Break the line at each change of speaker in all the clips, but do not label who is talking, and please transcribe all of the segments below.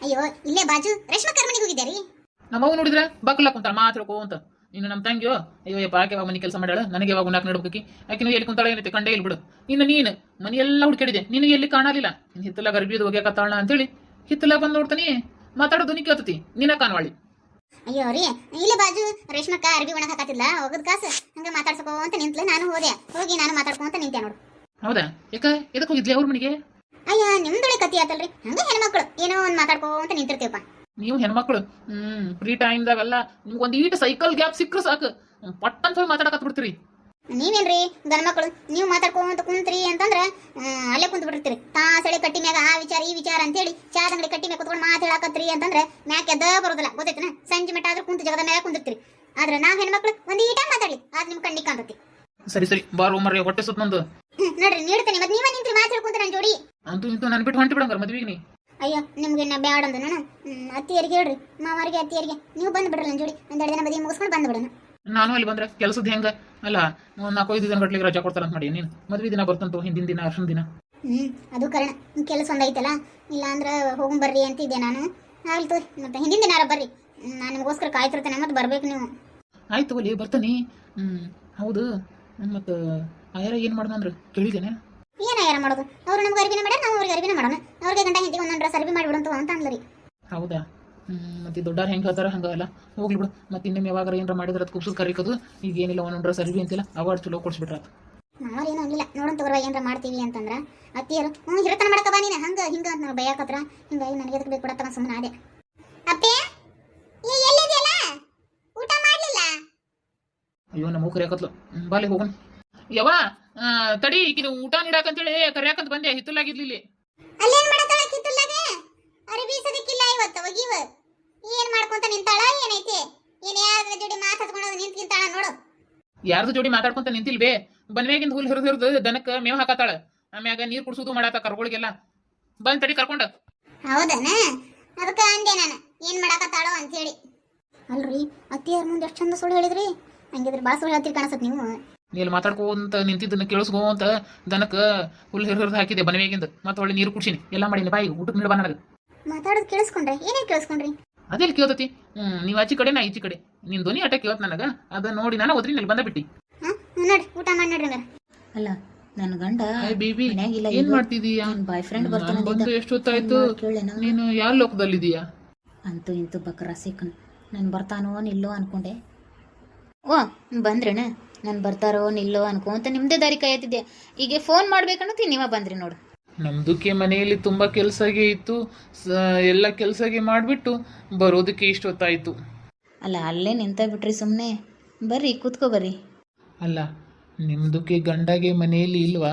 ಅಯ್ಯೋ ಇಲ್ಲೇ ಬಾಜು ರೇಷ್ಮಕರ್ ಮನೆಗೆ ಹೋಗಿದ್ದೆ ರೀ.
ನಮ್ಮವ್ ನೋಡಿದ್ರೆ ಬಕ್ಕಲ ಕುಂತಾಳ ಮಾತಾಡ್ಕೋ ಅಂತ. ಇನ್ನು ನಮ್ಮ ತಂಗಿಯೋ ಅಯ್ಯೋ ಯಪ್ಪ ಆಕೆ ಯಾವಾಗ ಮನೆ ಕೆಲಸ ಮಾಡ್ಯಾಳ, ನನಗೆ ಯಾವಾಗ ಉಣ್ಣಾಕ್ ನಡ್ಬೇಕಿ, ಆಕಿನೂ ಎಲ್ಲಿ ಕುಂತಾಳ ಏನೈತೆ ಕಂಡೇ ಇಲ್ಲಿ ಬಿಡು. ಇನ್ನು ನೀನು ಮನೆಯೆಲ್ಲ ಹುಡುಕಾಡಿದೆ, ನಿನಗೆ ಎಲ್ಲಿ ಕಾಣಲಿಲ್ಲ. ಹಿತ್ತಲಾಗ ಅರ್ಬಿದು ಒಗ್ಯಾಕತ್ತಾಳ ಅಂತೇಳಿ ಹಿತ್ತಲಾಗ ಬಂದು ನೋಡ್ತಾನಿ, ಮಾತಾಡೋದು ನೀ ಕೇಳ್ತತಿ, ನಿನ್ನ ಕಾಣವಾಳಿ.
ಅಯ್ಯೋ ರೀ ಇಲ್ಲೇ ಬಾಜು ರೇಷ್ಮಕ್ಕ ಅರ್ಬಿ ಒಣಗ ಹಾಕತ್ತಿಲ್ಲ, ಹೋಗದ್ ಕಾಸು ಹಂಗ ಮಾತಾಡ್ಸಕೋ ಅಂತ ನಿಂತ್ಲೆ. ನಾನು ಹೋದೆ, ಹೋಗಿ ನಾನು ಮಾತಾಡ್ಕೊಂತ ನಿಂತೆ ನೋಡು.
ಹೌದಾ? ಯಾಕ ಎದಕ್ಕೆ ಹೋಗಿದ್ಲಿ ಅವ್ರ ಮನೆಗೆ?
ಅಯ್ಯ ನಿಮ್ದೊಳೆ ಕತಿ ಆತಲ್ರಿ, ಹಂಗ ಹೆಣ್ಮಕ್ಳು ಏನೋ ಒಂದ್ ಮಾತಾಡ್ಕೊಂತ ನಿಂತಿರ್ತೀವಪ್ಪ.
ನೀವು ಹೆಣ್ಮಕ್ಳು ಫ್ರೀ ಟೈಮ್ದಾಗೆಲ್ಲ ನಿಮ್ಗೊಂದು ಈಟ ಸೈಕಲ್ ಗ್ಯಾಪ್ ಸಿಕ್ಕರು ಸಾಕು, ಪಟ್ಟಂತ ಹೋಗಿ ಮಾತಾಡಕತ್ ಬಿಡ್ತೀರಿ.
ನೀವೇನ್ರಿ ಗಂಡ್ಮಕ್ಳು ನೀವು ಮಾತಾಡ್ಕೊಂತ ಕುಂತ್ರಿ ಅಂತಂದ್ರ ಅಲ್ಲೇ ಕುಂತ್ ಬಿಟ್ಟಿರ್ತೀರಿ. ತಾಸಳೆ ಕಟ್ಟಿ ಮ್ಯಾಗ ಆ ವಿಚಾರ ಈ ವಿಚಾರ ಅಂತೇಳಿ ಚಾದ ಅಂಗಡಿ ಕಟ್ಟಿ ಮ್ಯಾಗ ಕುತ್ಕೊಂಡು ಮಾತಾಡಕತ್ರಿ ಅಂತಂದ್ರೆ ಮ್ಯಾಕ್ ಎದ್ದ ಬರೋದಿಲ್ಲ, ಗೊತ್ತೈತನ? ಸಂಜೆ ಮಟ್ಟ ಆದ್ರೂ ಕುಂತ ಜಗದ ಮ್ಯಾಗ ಕುಂತಿರ್ತೀರಿ. ಆದ್ರೆ ನಾವ್ ಹೆಣ್ಮಕ್ಳು ಒಂದ್ ಈಟ ಮಾತಾಡ್ಲಿ ಅದ್ ನಿಮ್ ಕಣ್ಣಿಗೆ ಕಾಣ್ತತಿ.
ಸರಿ ಸರಿ ಬಾರೋ ಮರ್ರಿ, ಹೊಟ್ಟೆ ಸುತ್ತ ನಂದು.
ನೋಡ್ರಿ ನೀಡ್ತೇನೆ, ಮತ್ತೆ ನೀವ ನಿಂತ್ರಿ ಮಾತಾಡ್ಕೊಂತ ನನ್ ಜೋಡಿ.
ಅಂತೂ ಇಂತೂ ನನ್ ಬಿಟ್ಟು ಹೊಂಟಿ ಬಿಡಂಗಾರ ಮದ್ವಿಗೆ ನೀ.
ಅಯ್ಯೋ ನಿಮ್ಗೆ ನಾ ಬ್ಯಾಡ ಅಂದ ನಾನು ಅತ್ತಿಯರಿಗೆ ಹೇಳ್ರಿ, ಮಾವಾರಿಗೆ ಅತ್ತಿಯರಿಗೆ ನೀವು ಬಂದು ಬಿಡ್ರಲ್ಲ ನನ್ ಜೋಡಿ. ಒಂದೆರಡು ದಿನ ಮದುವೆ ಮುಗಿಸ್ಕೊಂಡು ಬಂದು ಬಿಡೋಣ. ನಾನು
ಅಲ್ಲಿ ಬಂದ್ರೆ ಕೆಲಸದ ಹೆಂಗ ಅಲ್ಲ, 4-5 ದಿನ ಗಟ್ಲಿಗೆ ರಜಾ ಕೊಡ್ತಾರಂತ ಮಾಡಿ ನೀನು. ಮದ್ವೆ ದಿನ ಬರ್ತಂತು, ಹಿಂದಿನ ದಿನ ಅರ್ಶನ ದಿನ.
ಅದು ಕಾರಣ ಕೆಲಸ ಒಂದೈತಲ್ಲ, ಇಲ್ಲ ಅಂದ್ರೆ ಹೋಗಿ ಬರ್ರಿ ಅಂತಿದ್ದೆ ನಾನು. ಆಗ್ಲಿ ತೋರಿ, ಮತ್ತೆ ಹಿಂದಿನ ದಿನ ಬರ್ರಿ, ನಾನು ನಿಮಗೋಸ್ಕರ ಕಾಯ್ತಿರ್ತೇನೆ, ಮತ್ತೆ ಬರ್ಬೇಕು ನೀವು.
ಆಯ್ತು ಒಲಿ ಬರ್ತಾನೆ. ಹೌದು, ಮತ್ತು ಆಯಾರ ಏನು ಮಾಡ್ದಂದ್ರೆ ಕೇಳಿದ್ದೇನೆ.
ಏನ ಯಾರ ಮಾಡೋದು, ಅವ್ರು ನಮ್ಗೆ ಅರಿವಿನ ಮಾಡ, ನಾವು ಅವ್ರಿಗೆ ಅರಿವಿನ ಮಾಡೋಣ. ಅವ್ರಿಗೆ ಗಂಡ ಹಿಂದಿ ಒಂದೊಂದು ಡ್ರೆಸ್ ಅರಿವಿ ಮಾಡಿಬಿಡಂತು ಅಂತ ಅಂದ್ರಿ. ಹೌದಾ?
ಮತ್ತೆ ದೊಡ್ಡಾರು ಹೆಂಗೆ ಹೇಳ್ತಾರ ಹಂಗಲ್ಲ, ಹೋಗ್ಲಿ ಬಿಡು. ಮತ್ತೆ ಇನ್ನೊಮ್ಮೆ ಯಾವಾಗ ಏನಾರ ಮಾಡಿದ್ರೆ ಅದು ಕುಬ್ಸದ್ ಕರಿಕೋದು. ಈಗ ಏನಿಲ್ಲ, ಒಂದೊಂದು ಡ್ರೆಸ್ ಅರಿವಿ ಅಂತಿಲ್ಲ, ಅವಾರ್ಡ್ ಚಲೋ ಕೊಡ್ಸ್ಬಿಟ್ರ.
ನಾವೇನೋ ಅಂದಿಲ್ಲ, ನೋಡೋಣ ತಗೋರ ಏನಾರ ಮಾಡ್ತೀವಿ ಅಂತಂದ್ರ ಅತ್ತಿಯರು ಹಿರತನ ಮಾಡಕ ಬಾ ನೀನು ಹಂಗ ಹಿಂಗ ಅಂತ ನಾವು ಬೈಯಾಕತ್ರ. ಹಿಂಗಾಗಿ ನನಗೆ ಎದಕ್ಕೆ ಬೇಕು ಕೊಡತ್ತವ ಸುಮ್ಮನೆ ಅದೇ. ಅಪ್ಪೆ ಎಲ್ಲಿದೆಯಲ್ಲ, ಊಟ ಮಾಡ್ಲಿಲ್ಲ?
ಅಯ್ಯೋ ನಮ್ಮ ಹೋಗ್ರಿ ಯಾಕತ್ಲು, ಬಾಲಿ ಹೋಗೋಣ. ಯಾವ ತಡಿ, ಈಗಿನ ಊಟ ನೀಡಾಕಂತೇಳಿ ಕರ್ಯಾಕಂತ ಬಂದೆ, ಹಿತ್ತಲಾಗಿರ್ಲಿಲ್ಲ.
ಅಲ್ಲೇನ್ ಮಾಡತಾಳ ಕಿತ್ತಲಾಗೆ? ಅರಬಿ ಸದಕ್ಕಿಲ್ಲ ಇವತ್ತು ಒಗಿವ. ಏನ್ ಮಾಡ್ಕೊಂತ ನಿಂತಾಳ ಏನೈತೆ? ಏನ್ ಯಾರ ಜೋಡಿ ಮಾತಾಡ್ಕೊಂಡು ನಿಂತ್ಕಿಂತಾಳ ನೋಡು.
ಯಾರ್ದು ಜೋಡಿ ಮಾತಾಡ್ಕೊಂತ ನಿಂತಿಲ್ಬೇ, ಬನ್ವೇಗಿಂದ ಹುಲ್ ಹಿರಿದು ದನಕ್ಕೆ ಮೇವ್ ಹಾಕತ್ತಾಳ, ಆಮ್ಯಾಗ ನೀರ್ ಕುಡ್ಸೋದು ಮಾಡಾತ ಕರ್ಗಳಿಗೆಲ್ಲ. ಬಂದ್ ತಡಿ ಕರ್ಕೊಂಡ.
ಹೌದನ? ಅದಕ್ಕ ಅಂದೆ ನಾನು ಏನ್ ಮಾಡಾಕತ್ತಾಳೋ ಅಂತ ಹೇಳಿ. ಅಲ್ರಿ ಅತ್ತಿಯರ್ ಮುಂದೆ ಎಷ್ಟು ಚಂದ ಸುಳ್ಳು ಹೇಳಿದ್ರಿ, ಹಂಗಿದ್ರೆ ಭಾಳ ಸುಳ್ಳು ಹೇಳ್ತೀರಿ ಕಾಣಿಸತ್ ನೀವು.
ನೀಲ್ಲಿ ಮಾತಾಡ್ಕೊಂತ ನಿಂತಿದ್ದನ್ನ ಕೇಳಿಸ್ಕೋ ಅಂತ ದನಕ್ಕೆ ಹುಲ್ ಹಿರಿದು ಹಾಕಿದೆ ಬನ್ವೇಗಿಂದ, ಮತ್ತೆ ಒಳ್ಳೆ ನೀರು ಕುಡ್ಸಿನಿ, ಎಲ್ಲ ಮಾಡೀನಿ. ಬಾಯಿ ಊಟಕ್ಕೆ ನೀಡ ನನಗೆ
ಮಾತಾಡೋದು ಕೇಳಿಸ್ಕೊಂಡ್ರೆ ಏನೇನು ಕೇಳಿಸ್ಕೊಂಡ್ರಿ?
ಅದೇಲಿ ಕೇಳ್ತತಿ, ನೀವು ಆಚಿ ಕಡೆ ನಾ ಈಚಿ ಕಡೆ, ನಿನ್ ಧ್ವನಿ ಆಟ ಕೇಳತ್ ನನಗ. ಅದ ನೋಡಿ ನಾನು ಓದ್ರಿ ನಲ್ಲಿ ಬಂದ ಬಿಟ್ಟಿ.
ನೋಡಿ ಊಟ ಮಾಡಿ ನೋಡ್ರಿ.
ಅಲ್ಲ ನನ್ನ ಗಂಡ
ಬೇಬಿ ಏನ್ ಮಾಡ್ತಿದೀಯಾ?
ಬಾಯ್ ಫ್ರೆಂಡ್ ಬರ್ತಾನೆ
ಬಂದು ಎಷ್ಟೊತ್ತಾಯ್ತು, ನೀನು ಯಾವ ಲೋಕದಲ್ಲಿದೀಯಾ?
ಅಂತೂ ಇಂತೂ ಬಕ್ರ ಸಿಕ್ಕನು. ನಾನು ಬರ್ತಾನೋ ನಿಲ್ಲೋ ಅನ್ಕೊಂಡೆ. ಓ ಬಂದ್ರೇನ? ನಾನು ಬರ್ತಾರೋ ನಿಲ್ಲೋ ಅನ್ಕೊಂತ ನಿಮ್ದೇ ದಾರಿ ಕಾಯತ್ತಿದ್ದೆ. ಈಗ ಫೋನ್ ಮಾಡ್ಬೇಕನ್ನೋತಿ ನೀವ ಬಂದ್ರಿ ನೋಡು.
ನಮ್ದಕ್ಕೆ ಮನೆಯಲ್ಲಿ ತುಂಬಾ ಕೆಲ್ಸಗೆ ಇತ್ತು, ಎಲ್ಲ ಕೆಲ್ಸಗೆ ಮಾಡ್ಬಿಟ್ಟು ಬರೋದಕ್ಕೆ ಇಷ್ಟೊತ್ತಾಯ್ತು.
ಅಲ್ಲ ಅಲ್ಲೇ ನಿಂತ ಬಿಟ್ರಿ ಸುಮ್ಮನೆ, ಬರ್ರಿ ಕೂತ್ಕೋ ಬರ್ರಿ.
ಅಲ್ಲ ನಿಮ್ದಕ್ಕೆ ಗಂಡಗೆ ಮನೆಯಲ್ಲಿ ಇಲ್ವಾ?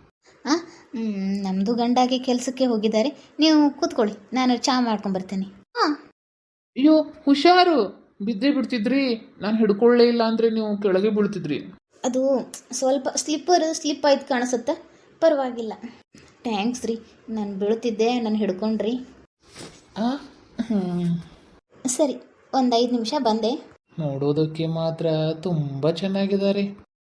ನಮ್ಮದು ಗಂಡಾಗಿ ಕೆಲಸಕ್ಕೆ ಹೋಗಿದ್ದಾರೆ, ನೀವು ಕೂತ್ಕೊಳ್ಳಿ, ನಾನು ಚಾ ಮಾಡ್ಕೊಂಡು ಬರ್ತೇನೆ.
ಅಯ್ಯೋ ಹುಷಾರು, ಬಿದ್ದೇ ಬಿಡ್ತಿದ್ರಿ. ನಾನು ಹಿಡ್ಕೊಳ್ಳೇ ಇಲ್ಲ ಅಂದ್ರೆ ನೀವು ಕೆಳಗೆ ಬೀಳ್ತಿದ್ರಿ.
ಅದು ಸ್ವಲ್ಪ ಸ್ಲಿಪ್ ಆಯ್ತು ಕಾಣಿಸುತ್ತೆ, ಪರವಾಗಿಲ್ಲ. ಥ್ಯಾಂಕ್ಸ್ ರೀ, ನಾನು ಬೀಳ್ತಿದ್ದೆ, ನಾನು ಹಿಡ್ಕೊಂಡ್ರಿ. ಸರಿ, ಒಂದು 5 ನಿಮಿಷ ಬಂದೆ.
ನೋಡೋದಕ್ಕೆ ಮಾತ್ರ ತುಂಬಾ ಚೆನ್ನಾಗಿದ್ದಾರೆ.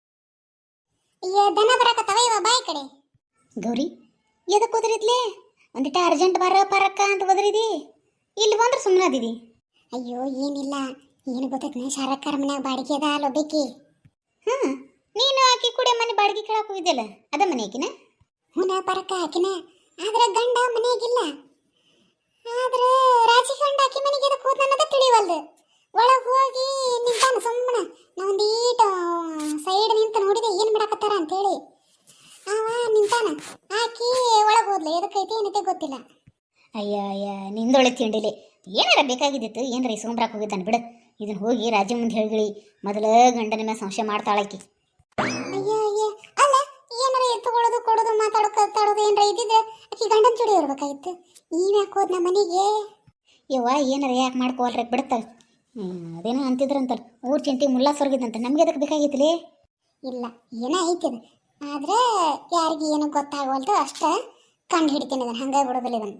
ದನ ಬರಕತ್ತವ ಇವ ಬಾಯಿ ಕಡೆ. ಗೌರಿ ಎದಕ್ಕೆ ಓದ್ರಿದ್ಲೆ? ಒಂದಿಟ ಅರ್ಜೆಂಟ್ ಬರ ಪರಕ್ಕ ಅಂತ ಓದ್ರಿದಿ, ಇಲ್ಲಿ ಬಂದ್ರೆ ಸುಮ್ಮನೆ ಅದಿದಿ. ಅಯ್ಯೋ ಏನಿಲ್ಲ, ಏನು ಗೊತ್ತೈತೆ, ಶಾರಕ್ಕಾರ ಮನ್ಯಾಗ ಬಾಡಿಗೆ ಅದ ಅಲ್ಲೊಬ್ಬೇಕಿ. ನೀನು ಆಕಿ ಕೂಡ ಮನೆ ಬಾಡಿಗೆ ಕೇಳಕ್ಕೆ ಹೋಗಿದ್ದೆಲ್ಲ, ಅದ ಮನೆ ಆಕಿನ? ಹುನ ಪರಕ್ಕ ಆಕಿನ, ಆದ್ರೆ ಗಂಡ ಮನೆಯಾಗಿಲ್ಲ. ಆದ್ರೆ ರಾಜಿ ಗಂಡ ಆಕಿ ಮನೆಗೆ ಎದಕ್ಕೆ ಹೋದ್ ಅನ್ನೋದ ತಿಳಿವಲ್ದು. ಒಳಗೆ ಹೋಗಿ ನಿಂತಾನ ಸುಮ್ಮನೆ. ನಾ ಒಂದೀಟ ಸೈಡ್ ನಿಂತು ನೋಡಿದೆ ಏನು ಮಾಡಾಕತ್ತಾರ ಅಂತೇಳಿ. ಅವ ನಿಂತಾನ, ಆಕಿ ಒಳಗೆ ಹೋದ್ಲ, ಎದಕ್ಕೈತಿ ಏನೈತೆ ಗೊತ್ತಿಲ್ಲ. ಅಯ್ಯ ನಿಂದೊಳೆ ತಿಂಡಿಲಿ ಏನಾರ ಬೇಕಾಗಿದ್ದಿತ್ತು, ಏನಾರ ಇಸ್ಕೊಂಬ್ರಾಕ್ ಹೋಗಿದ್ದಾನೆ ಬಿಡು. ಇದನ್ನ ಹೋಗಿ ರಾಜಿ ಮುಂದೆ ಹೇಳಿಗಿಳಿ, ಮೊದಲ ಗಂಡನ ಮೇಲೆ ಸಂಶಯ ಮಾಡ್ತಾಳಾಕಿ. ಅಯ್ಯ ಅಲ್ಲ, ಏನಾರ ಎತ್ತುಕೊಳ್ಳೋದು ಕೊಡೋದು ಮಾತಾಡೋದು ಏನಾರ ಇದ್ದಿದ್ರೆ ಆಕಿ ಗಂಡನ ಜೋಡಿ ಇರ್ಬೇಕಾಗಿತ್ತು. ನೀವ್ ಯಾಕೆ ಹೋದ್ ನಮ್ಮ ಮನೆಗೆ? ಯವ್ವ ಏನಾರ ಯಾಕೆ ಮಾಡ್ಕೋಲ್ರಿ ಬಿಡುತ್ತಾಳೆ. ಅದೇನೋ ಅಂತಿದ್ರಂತಲ್ಲ, ಊರ್ ಚಿಂಟಿ ಮುಲ್ಲಾ ಸೊರ್ಗಿದಂತ, ನಮ್ಗೆ ಅದಕ್ಕೆ ಬೇಕಾಗಿತ್ತಲೇ? ಇಲ್ಲ ಏನೋ ಐತಿದ, ಆದ್ರೆ ಯಾರಿಗೆ ಏನೋ ಗೊತ್ತಾಗವಲ್ತು ಅಷ್ಟ ಕಂಡು ಹಿಡಿತೀನಿ ಇದನ್ನು, ಹಂಗಾಗಿ ಬಿಡೋದಿಲ್ಲ ಇದನ್ನು.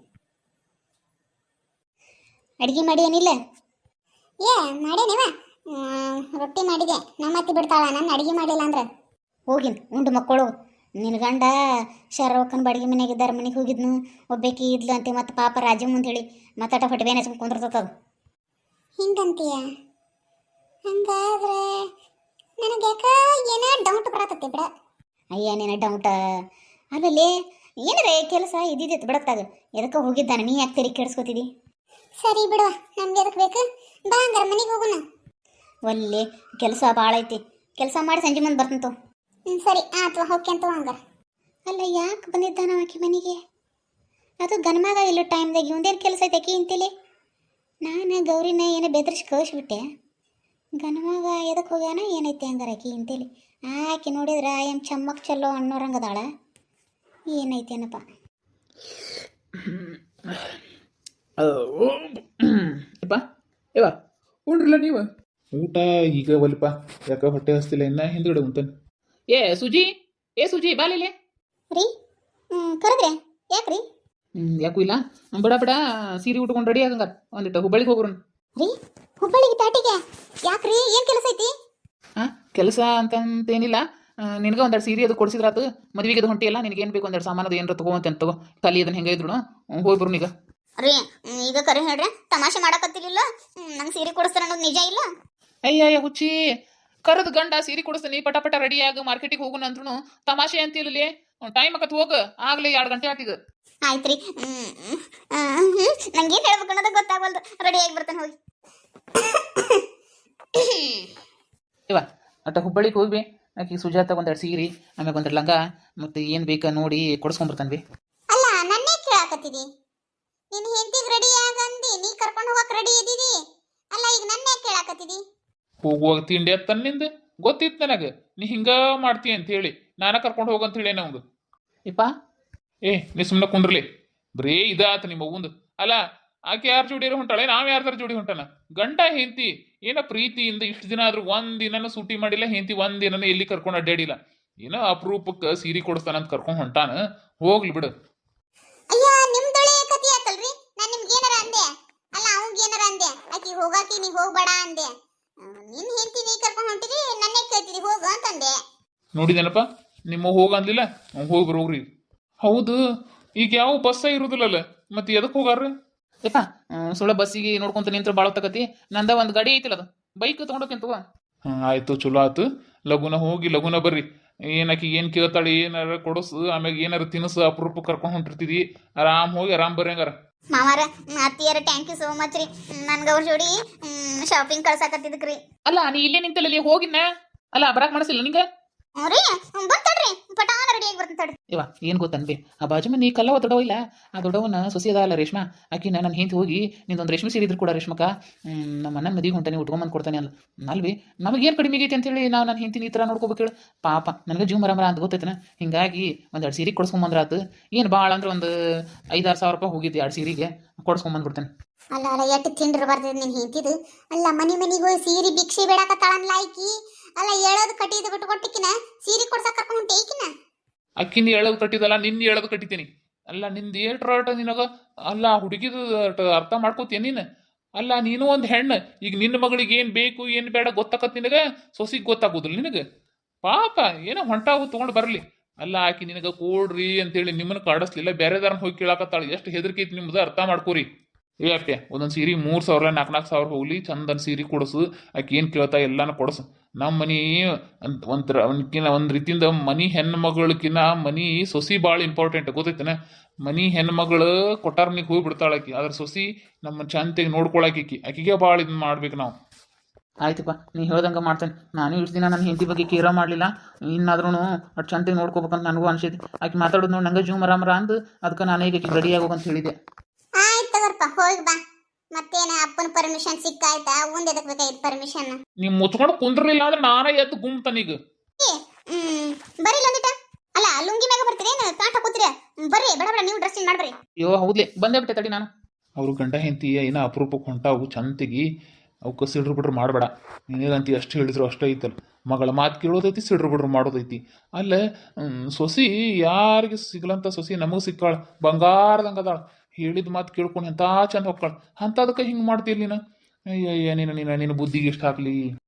ಅಡುಗೆ ಮಾಡಿ ಏನಿಲ್ಲ? ಮಾಡೇನಿವ, ರೊಟ್ಟಿ ಮಾಡಿದೆ. ನಮ್ಮ ಅತ್ತಿ ಬಿಡ್ತಾಳ, ನಾನು ಅಡುಗೆ ಮಾಡಿಲ್ಲ ಅಂದ್ರೆ. ಹೋಗಿನ್ ಉಂಡು ಮಕ್ಕಳು, ನಿನ್ನ ಗಂಡ ಶರವಕ್ಕನ ಬಾಡಿಗೆ ಮನೆಯಾಗಿದ್ದಾರ ಮನೆಗೆ ಹೋಗಿದ್ನು ಒಬ್ಬೇಕಿ ಇದ್ಲು ಅಂತೆ ಮತ್ತು ಪಾಪ ರಾಜ ಮುಂದೆ ಹೇಳಿ ಮತ್ತಾಟ ಹೊಟ್ಟೆ ಹಚ್ಕೊಂಡು ಕುಂದಿರ್ತದ ಹಿಂಗಂತೀಯ ಹಂಗಾದ್ರೆ ನನಗೆ ಯಾಕ ಏನೋ ಡೌಟ್ ಬರತೈತಿ ಬಿಡ ಅಯ್ಯ ನೀನು ಡೌಟ ಆಮೇಲೆ ಏನರೇ ಕೆಲಸ ಇದ್ದಿದ್ದು ಬಿಡತ್ತಾಗ ಎದಕ್ಕೆ ಹೋಗಿದ್ದಾನೆ ನೀ ಯಾಕೆ ತೆರಿ ಕೆಡಿಸ್ಕೊತಿದಿ ಸರಿ ಬಿಡುವ ನಮ್ಗೆ ಎದಕ್ಕೆ ಬೇಕು ಬಾ ಹಂಗಾರ ಮನೆಗೆ ಹೋಗೋಣ ಒಳ್ಳೆ ಕೆಲಸ ಭಾಳ ಐತಿ ಕೆಲಸ ಮಾಡಿ ಸಂಜೆ ಮುಂದೆ ಬರ್ತಂತು ಸರಿ ಆತು ಹೋಗ್ಯಂತ ಹಂಗಾರ ಅಲ್ಲ ಯಾಕೆ ಬಂದಿದ್ದಾನ ಆಕೆ ಮನೆಗೆ ಅದು ಗನ್ಮಗ ಇಲ್ಲೋ ಟೈಮ್ದಾಗ ಇವಂದೇನು ಕೆಲಸ ಐತೆ ಆಕಿ ಇಂತೇಳಿ ನಾನು ಗೌರಿನ ಏನೋ ಬೆದರಿಸಿ ಕಳಿಸ್ಬಿಟ್ಟೆ ಗನ್ಮಗ ಎದಕ್ಕೆ ಹೋಗ್ಯಾನ ಏನೈತೆ ಹಂಗಾರ ಆಕಿ ಇಂತೇಳಿ ಆಕೆ ನೋಡಿದ್ರೆ ಏನು ಚಮ್ಮಕ್ ಚಲ್ಲೋ ಅನ್ನೋರಂಗದಾಳ ಏನೈತೇನಪ್ಪ
ಯಪ್ಪ ಯವ್ವ ಉಂಡ್ರಲ್ಲ ನೀವು ಊಟ ಈಗ ಒಲ್ಪ ಯಾಕೆ ಹೊಟ್ಟೆ ಹಸ್ತಿಲ್ಲ ಇನ್ನ ಹಿಂದ್ಗಡೆ ಉಂತಾನೆ ಏ ಸುಜಿ ಬಾಲಿಲೆ
ರೀ ಕರೆದ್ರೆ ಯಾಕ್ರಿ
ಯಾಕೂ ಇಲ್ಲ ಬಡ ಬಡ ಸೀರೆ ಉಟ್ಕೊಂಡು ರೆಡಿ ಆಗಂಗಾರ ಒಂದಿಟ್ಟು ಹುಬ್ಬಳ್ಳಿಗೆ ಹೋಗ್ರು
ರೀ ಹುಬ್ಬಳ್ಳಿಗೆ ಪ್ಯಾಟಿಗೆ ಯಾಕ್ರಿ ಏನು ಕೆಲಸ ಐತಿ
ಹಾಂ ಕೆಲಸ ಅಂತಂತೇನಿಲ್ಲ ನಿನಗೆ ಒಂದೆರಡು ಸೀರೆ ಅದು ಕೊಡಿಸಿದ್ರಾತು ಮದುವೆಗೆ ಅದು ಹೊಂಟಿಯಲ್ಲ ನಿನಗೇನು ಬೇಕು ಒಂದೆರಡು ಸಾಮಾನು ಅದು ಏನಾರ ತಗೋಂತ ತಗೋ ಖಾಲಿ ಅದನ್ನ ಹೆಂಗೆ ಇದ್ರು ಹೋಗ್ಬರು ಈಗ
ರೀ ಈಗ ಕರೆ ಹೇಳ್ರಿ ತಮಾಷೆ ಮಾಡಕತ್ತಿರ್ಲಿಲ್ಲ ನಂಗೆ ಸೀರೆ ಕೊಡಿಸ್ತಾರ ಅನ್ನೋದು ನಿಜ ಇಲ್ಲ
ಅಯ್ಯ ಹುಚ್ಚಿ ಕರೆದು ಗಂಡ ಸೀರೆ ಕೊಡಿಸ್ತಾನೆ ಪಟ ರೆಡಿಯಾಗಿ ಮಾರ್ಕೆಟಿಗೆ ಹೋಗೋಣ ಅಂದ್ರೂ ತಮಾಷೆ ಅಂತಿಲ್ಲ ಟೈಮ್ ಆಕತ್ ಹೋಗ ಆಗ್ಲಿ 2 ಗಂಟೆ ಆತೀಗ
ಆಯ್ತು ರೀ ನಂಗೇನು ಹೇಳ್ಬೇಕು ಅನ್ನೋದು ಗೊತ್ತಾಗವಲ್ದು ರೆಡಿಯಾಗಿ ಬರ್ತಾನೆ ಹೋಗಿ
ಇವ ಅಟ್ಟ ಹುಬ್ಬಳ್ಳಿಗೆ ಹೋಗ್ಬಿ ಆಕಿ ಸುಜಾತ ಒಂದೆರಡು ಸೀರೆ ಆಮ್ಯಾಗ ಒಂದೆರಡು ಲಂಗ ಮತ್ತು ಏನು ಬೇಕಾ ನೋಡಿ ಕೊಡಿಸ್ಕೊಂಬರ್ತಾನೆ ಬಿ
ಅಲ್ಲ ನನ್ನೇ ಕೇಳಾಕತ್ತಿದಿ ನಿನ್ನ ಹೆಂಡತಿಗೆ ರೆಡಿ ಆಗಂದಿ ನೀ ಕರ್ಕೊಂಡು ಹೋಗಕ್ಕೆ ರೆಡಿ ಇದ್ದೀವಿ ಅಲ್ಲ ಈಗ ನನ್ನೇ ಕೇಳಾಕತ್ತಿದಿ
ಹೋಗುವಾಗ ತಿಂಡಿ ಅತ್ತ ತನ್ನಿಂದ ಗೊತ್ತಿತ್ತು ನನಗೆ ನೀ ಹಿಂಗ ಮಾಡ್ತೀಯ ಅಂತ ಹೇಳಿ ನಾನ ಕರ್ಕೊಂಡು ಹೋಗಂತ ಹೇಳಿ ನಮ್ದು ಇಪ್ಪ ನೀ ಸುಮ್ಮನೆ ಕುಂದ್ರಲಿ ಬರೀ ಇದಾತ ನಿಮ್ಮ ಅವ್ವಂದು ಅಲ್ಲ ಆಕೆ ಯಾರ ಜೋಡಿಯರು ಹೊಂಟಾಳೆ ನಾವ್ ಯಾರ್ದಾರ ಜೋಡಿ ಹೊಂಟಾನ ಗಂಡ ಹೆಂಡತಿ ಏನೋ ಪ್ರೀತಿಯಿಂದ ಇಷ್ಟು ದಿನ ಆದ್ರೂ ಒಂದಿನೂ ಸೂಟಿ ಮಾಡಿಲ್ಲ ಹೆಂಡತಿ ಒಂದಿನೂ ಎಲ್ಲಿ ಕರ್ಕೊಂಡು ಅಡ್ಡಾಡಿಲ್ಲ ಏನೋ ಅಪರೂಪಕ್ಕೆ ಸೀರೆ ಕೊಡಿಸ್ತಾನಂತ ಕರ್ಕೊಂಡು ಹೊಂಟಾನ ಹೋಗ್ಲಿ ಬಿಡು
ಅಯ್ಯ ನಿಮ್ದೊಳೆ ಕತಿ ಆತಲ್ರಿ ನಾನು ನಿಮ್ಗೆ ಏನಾರ ಅಂದೆ ಅಲ್ಲ ಅವಂಗ ಏನಾರ ಅಂದೆ ಆಕಿ ಹೋಗಾಕಿ ನೀ ಹೋಗ್ಬೇಡ ಅಂದೆ ನಿನ್ ಹೆಂಡತಿ ನೀ ಕರ್ಕೊಂಡು ಹೊಂಟಿರಿ ನನ್ನೇ ಕೇಳ್ತಿದಿ ಹೋಗು ಅಂತಂದೆ
ನೋಡಿದೇನಪ್ಪ ನಿಮ್ಮ ಹೋಗಂದಿಲ್ಲ ಹೋಗಿ ಬರೋಗ್ರಿ ಹೌದು ಈಗ ಯಾವ ಬಸ್ಸ ಇರುದಿಲ್ಲಲ್ಲ ಮತ್ತೆ ಎದಕ್ಕೆ ಹೋಗಾರ ಯಪ್ಪ ಸುಳ್ಳ ಬಸ್ಸಿಗೆ ನೋಡ್ಕೊಂತ ನಿಂತ್ರ ಭಾಳ ತಗತಿ ನಂದ ಒಂದು ಗಾಡಿ ಐತಿಲ್ಲ ಅದು ಬೈಕ್ ತೊಗೊಂಡೋಕಿಂತ ಆಯ್ತು ಚಲೋ ಆಯ್ತು ಲಗುನ ಹೋಗಿ ಲಗುನ ಬರ್ರಿ ಏನಕ್ಕೆ ಏನು ಕೇಳ್ತಾಳೆ ಏನಾರ ಕೊಡಸು ಆಮ್ಯಾಗ ಏನಾರ ತಿನಸು ಅಪರೂಪ ಕರ್ಕೊಂಡು ಹೊಂಟಿರ್ತಿದಿ ಆರಾಮ್ ಹೋಗಿ ಆರಾಮ್ ಬರ್ರಿ ಹಂಗಾರ
ಮಾವಾರ ಅತ್ತಿಯರ ಥ್ಯಾಂಕ್ ಯು ಸೋ ಮಚ್ ರೀ ನನ್ಗೆ ಅವ್ರ ಜೋಡಿ ಶಾಪಿಂಗ್ ಕಳ್ಸಾಕತ್ತಿದ್ರಿ
ಅಲ್ಲ ನೀ ಇಲ್ಲೇ ನಿಂತಲ್ಲ ಹೋಗಿನ ಅಲ್ಲ ಬರಾಕ್ ಮಾಡಿಸಿಲ್ಲ ನಿಂಗೆ
ರೀ ಬಂತಡ್ರಿ ಪಟಾನ ರೆಡಿಯಾಗಿ ಬರ್ತಾಡ್ರಿ
ಇವ ಏನು ಗೊತ್ತನ್ಬಿ ಆ ಬಾಜು ಮನಿ ಕಲ್ಲವ ದೊಡ್ಡವ ಇಲ್ಲ ಆ ದೊಡ್ಡವನ ಸೊಸಿ ಅದ ಅಲ್ಲ ರೇಷ್ಮಾ ಆಕಿನ ನನ್ನ ಹಿಂದೆ ಹೋಗಿ ನಿಂದೊಂದು ರೇಷ್ಮೆ ಸೀರೆ ಇದ್ರು ಕೂಡ ರೇಷ್ಮಕ ನಮ್ಮ ಅಣ್ಣನ ಮದಿಗೆ ಹೊಂಟಾನೆ ಉಟ್ಕೊಂಬಂದು ಕೊಡ್ತಾನೆ ಅಲ್ಲ ಅಲ್ವಿ ನಮಗೇನು ಕಡಿಮೆ ಆಗೈತಿ ಅಂತೇಳಿ ನಾವು ನನ್ನ ಹಿಂತಿನ ಈ ಥರ ನೋಡ್ಕೋಬೇಕು ಹೇಳು ಪಾಪ ನನಗೆ ಜೀವ ಮರ ಅಂತ ಗೊತ್ತೈತನ ಹಿಂಗಾಗಿ ಒಂದೆರಡು ಸೀರೆ ಕೊಡ್ಸ್ಕೊಂಬಂದ್ರಾತು ಏನು ಭಾಳ ಅಂದ್ರೆ ಒಂದು 5-6 ಸಾವಿರ ರೂಪಾಯಿ ಹೋಗಿದ್ದು 2 ಸೀರೆಗೆ ಕೊಡ್ಸ್ಕೊಂಬಂದ್ಬಿಡ್ತೇನೆ
ಅಲ್ಲ ಅಲ್ಲ ಎಷ್ಟು ತಿಂಡ್ರು ಬರ್ತದೆ ನೀನು ಹಿಂತಿದ್ದು ಅಲ್ಲ ಮನಿಗೆ ಹೋಗಿ ಸೀರೆ ಭಿಕ್ಷೆ ಬೇಡಕತ್ತಾಳನ್ಲ ಆಕಿ ಅಲ್ಲ ಹೇಳೋದು ಕಟ್ಟಿದ್ದು ಬಿಟ್ಟು ಕೊಟ್ಟಿಕಿನ ಸೀರೆ ಕೊಡ್ಸಕ್ ಕರ್ಕೊಂಡು ಹೊಂಟೆ ಈಕಿನ
ಅಕ್ಕಿನ ಹೇಳೋದು ಕಟ್ಟಿದಲ್ಲ ನಿನ್ನ ಹೇಳೋದು ಕಟ್ಟಿತೀನಿ ಅಲ್ಲ ನಿಂದು ಏಟ್ರಾಟ ನಿನಗ ಅಲ್ಲ ಹುಡುಗಿದು ಅರ್ಥ ಮಾಡ್ಕೋತೀಯ ನೀನು ಅಲ್ಲ ನೀನು ಒಂದು ಹೆಣ್ಣು ಈಗ ನಿನ್ನ ಮಗಳಿಗೆ ಏನು ಬೇಕು ಏನು ಬೇಡ ಗೊತ್ತಾಕತ್ ನಿನಗೆ ಸೊಸಿಗೆ ಗೊತ್ತಾಗೋದಿಲ್ಲ ನಿನಗೆ ಪಾಪ ಏನೋ ಹೊಂಟಾವು ತೊಗೊಂಡು ಬರಲಿ ಅಲ್ಲ ಆಕಿ ನಿನಗೆ ಕೊಡ್ರಿ ಅಂತೇಳಿ ನಿಮ್ಮನ್ನು ಕಾಡಿಸ್ಲಿಲ್ಲ ಬೇರೆದಾರನ್ನ ಹೋಗಿ ಕೇಳಾಕತ್ತಾಳೆ ಎಷ್ಟು ಹೆದರಿಕೆ ಐತಿ ನಿಮ್ದು ಅರ್ಥ ಮಾಡ್ಕೋರಿ ಏ ಅಪ್ಪೆ ಒಂದೊಂದು ಸೀರೆ 3,000 4,000 ಸಾವಿರ ಹೋಗ್ಲಿ ಚಂದನ್ ಸೀರೆ ಕೊಡಿಸು ಆಕೆ ಏನು ಕೇಳ್ತಾ ಎಲ್ಲಾನು ಕೊಡಿಸು ನಮ್ಮ ಮನೆ ಒಂದು ರೀತಿಯಿಂದ ಮನಿ ಹೆಣ್ಮಗಳಕಿನ್ನ ಮನಿ ಸೊಸಿ ಭಾಳ ಇಂಪಾರ್ಟೆಂಟ್ ಗೊತ್ತೈತನ ಮನಿ ಹೆಣ್ಮಗಳು ಕೊಟ್ಟಾರ್ನಿಗೆ ಹೋಗಿ ಬಿಡ್ತಾಳೆ ಆಕಿ ಅದ್ರ ಸೊಸಿ ನಮ್ಮ ಚಂತೆಗೆ ನೋಡ್ಕೊಳಕಿ ಆಕಿಗೆ ಭಾಳ ಇದನ್ನ ಮಾಡ್ಬೇಕು ನಾವು ಆಯ್ತಪ್ಪ ನೀ ಹೇಳ್ದಂಗೆ ಮಾಡ್ತೇನೆ ನಾನು ಇಷ್ಟು ದಿನ ನನ್ನ ಹೆಂಡತಿ ಬಗ್ಗೆ ಕೇರ ಮಾಡಲಿಲ್ಲ ಇನ್ನಾದ್ರೂ ಅಷ್ಟು ಚಂತೆಗೆ ನೋಡ್ಕೋಬೇಕಂತ ನನಗೂ ಅನ್ಸೈತಿ ಆಕೆ ಮಾತಾಡೋದು ನೋಡಿ ನಂಗೆ ಜೀವ ಮರ ಅಂದು ಅದಕ್ಕೆ ನಾನು ಈಗ ರೆಡಿಯಾಗಿ ಹೋಗಂತ ಹೇಳಿದೆ
ಆಯ್ತು ತಗೋರ್ಪ ಹೋಗಿ ಬಾ ಮತ್ತೇನ ಅಪ್ಪನ ಪರ್ಮಿಷನ್ ಸಿಕ್ಕಾಯ್ತಾ ಮುಂದೆ ಎದಕ್ ಬೇಕಾಯ್ತು ಪರ್ಮಿಷನ್
ನೀವು ಮುಚ್ಕೊಂಡು ಕುಂದ್ರಲಿಲ್ಲ ಅಂದ್ರೆ ನಾನೇ ಎದ್ದು ಗುಮ್ತಾನೀಗ
ಬರೀ ಲಂದಿಟ ಅಲ್ಲ ಲುಂಗಿ ಮ್ಯಾಗ ಬರ್ತೀರಿ ಕಾಟ ಕೂತ್ರಿ ಬರ್ರಿ ಬೇಡ ಬೇಡ ನೀವು ಡ್ರೆಸ್ ಚೇಂಜ್ ಮಾಡ್ರಿ
ಅಯ್ಯೋ ಹೌದ್ಲೆ ಬಂದೇ ಬಿಟ್ಟೆ ತಡಿ ನಾನು ಅವರು ಗಂಡ ಹೆಂಡತಿ ಏನೋ ಅಪರೂಪಕ್ಕೆ ಹೊಂಟಾವು ಚಂತೆಗಿ ಅವಕ್ಕೆ ಸಿಡ್ರು ಬಿಡ್ರು ಮಾಡಬೇಡ ನೀನೇನಂತಿ ಅಷ್ಟು ಹೇಳಿದ್ರು ಅಷ್ಟೇ ಐತಲ್ಲ ಮಗಳ ಮಾತು ಕೇಳೋದೈತಿ ಸಿಡ್ರು ಬಿಡ್ರು ಮಾಡೋದೈತಿ ಅಲ್ಲ ಸೊಸಿ ಯಾರಿಗೆ ಸಿಗ್ಲಂತ ಸೊಸಿ ನಮಗೆ ಸಿಕ್ಕಾಳ ಬಂಗಾರದಂಗೆ ಅದಾಳ ಹೇಳಿದ ಮಾತು ಕೇಳ್ಕೊಂಡು ಎಂಥ ಚಂದ ಹೋಗ್ಕಾಳ ಅಂಥದಕ್ಕೆ ಹಿಂಗೆ ಮಾಡ್ತೀರಿ ನೀನು ಅಯ್ಯಯ್ಯ ನೀನು ಬುದ್ಧಿಗೆ ಇಷ್ಟ ಹಾಕ್ಲಿ